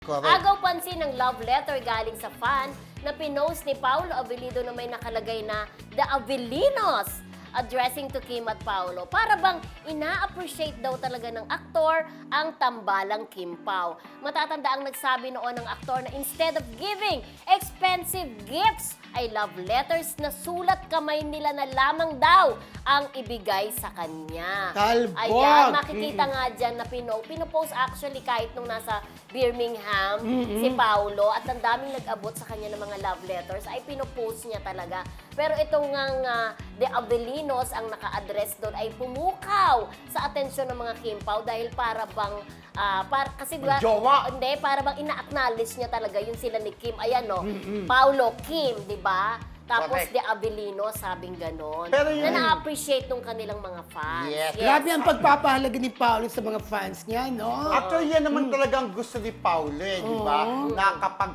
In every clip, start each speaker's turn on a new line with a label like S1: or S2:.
S1: Correct.
S2: Agaw pansin ng love letter galing sa fan na pinost ni Paolo Avellino na may nakalagay na The Avellinos addressing to Kim at Paolo. Para bang ina-appreciate daw talaga ng aktor ang tambalang Kim Pao. Matatanda ang nagsabi noon ng aktor na instead of giving expensive gifts, ay love letters na sulat kamay nila na lamang daw ang ibigay sa kanya.
S1: Talbog!
S2: Ayan, makikita nga dyan na pinopost actually kahit nung nasa Birmingham si Paolo at ang daming nag-abot sa kanya ng mga love letters ay pinopost niya talaga. Pero itong nga The Avellinos ang naka-address doon ay pumukaw sa atensyon ng mga Kim Pao dahil para bang kasi diba,
S1: Jowa.
S2: hindi, para bang ina-acknowledge niya talaga yung sila ni Kim. Ayan no, Paolo, Kim, di ba? Tapos
S1: Correct.
S2: The Avellinos, sabing ganon.
S1: Pero yun-
S2: na na-appreciate nung kanilang mga fans.
S1: Yes.
S3: Grabe ang pagpapahalaga ni Paolo sa mga fans niya, no?
S1: Actually, yan naman talagang gusto ni Paulo, di ba? Na kapag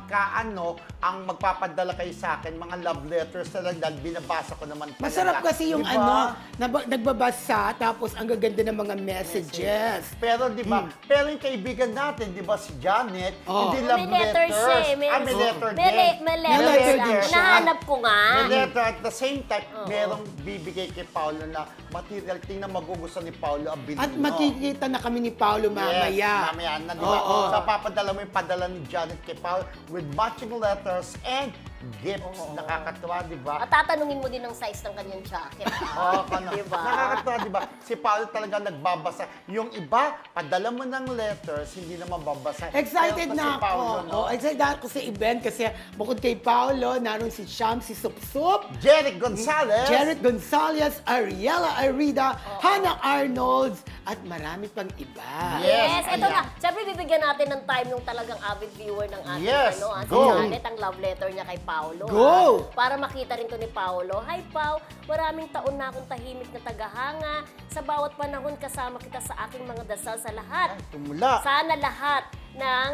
S1: ang magpapadala kayo sa akin, mga love letters talaga, binabasa ko naman talaga.
S3: Masarap kasi yung
S1: Di ba?
S3: nagbabasa, tapos ang gaganda ng mga messages.
S1: Pero di ba, pero yung kaibigan natin, di ba si Janet,
S3: Oh.
S1: hindi love
S2: May letter siya eh.
S1: may letter
S2: May
S1: din.
S2: may
S3: May letter
S2: letter
S3: din
S2: siya.
S3: siya.
S2: Nahanap ko nga.
S1: May letter at the same time, merong bibigay kay Paolo na material, tingnan magugustuhan ni Paolo Abilino.
S3: At makikita na kami ni Paolo mamaya.
S1: Yes, mamaya na, di ba?
S3: Oo.
S1: So, papadala mo yung padala ni Janet kay Paolo with matching letters and gifts. Nakakatuwa, di ba?
S2: At tatanungin mo din ang size ng kanyang jacket.
S1: Oo,
S2: Diba?
S1: Nakakatuwa, di ba? Si Paolo talaga nagbabasa. Yung iba, padala mo ng letters, hindi na mababasa.
S3: Excited
S1: Pero
S3: na
S1: si
S3: ako.
S1: Paolo, no?
S3: Excited ako sa event kasi bukod kay Paolo, naroon si Sham, si Supsup,
S1: Jeric Gonzalez.
S3: Jared Gonzalez, Ariela Arida, Hannah Arnolds, at marami pang iba.
S2: Yes,
S1: Yes,
S2: ito
S1: ayan.
S2: na. Siyempre, bibigyan natin ng time yung talagang avid viewer ng ating
S1: Yes,
S2: si
S1: go.
S2: Janet, ang love letter niya kay Paolo.
S3: Go.
S2: Para makita rin to ni Paolo. Hi, Pao. Maraming taon na akong tahimik na tagahanga. Sa bawat panahon, kasama kita sa aking mga dasal sa lahat.
S1: Tumula.
S2: Sana lahat ng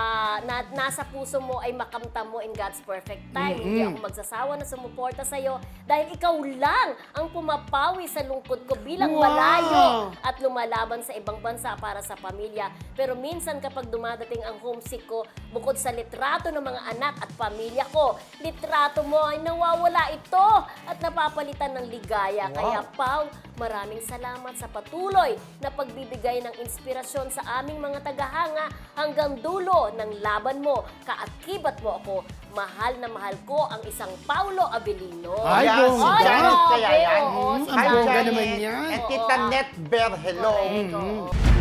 S2: nasa puso mo ay makamtam mo in God's perfect time. Hindi ako magsasawa na sumuporta sa'yo dahil ikaw lang ang pumapawi sa lungkot ko bilang
S3: Wow.
S2: malayo at lumalaban sa ibang bansa para sa pamilya. Pero minsan kapag dumadating ang homesick ko, bukod sa litrato ng mga anak at pamilya ko, litrato mo ay nawawala ito at napapalitan ng ligaya.
S1: Wow.
S2: Kaya Pao, maraming salamat sa patuloy na pagbibigay ng inspirasyon sa aming mga tagahanga hanggang dulo ng laban mo. Kaakibat mo ako. Mahal na mahal ko ang isang Paolo Avellino.
S3: Ay,
S1: Ayan, si
S3: bongga.
S1: Janet kaya yan.
S2: Oo, si
S3: ang
S2: Janet.
S3: bongga naman yan.
S1: And Tita
S2: Oo.
S1: Net Ber, hello.
S2: Correct, oo.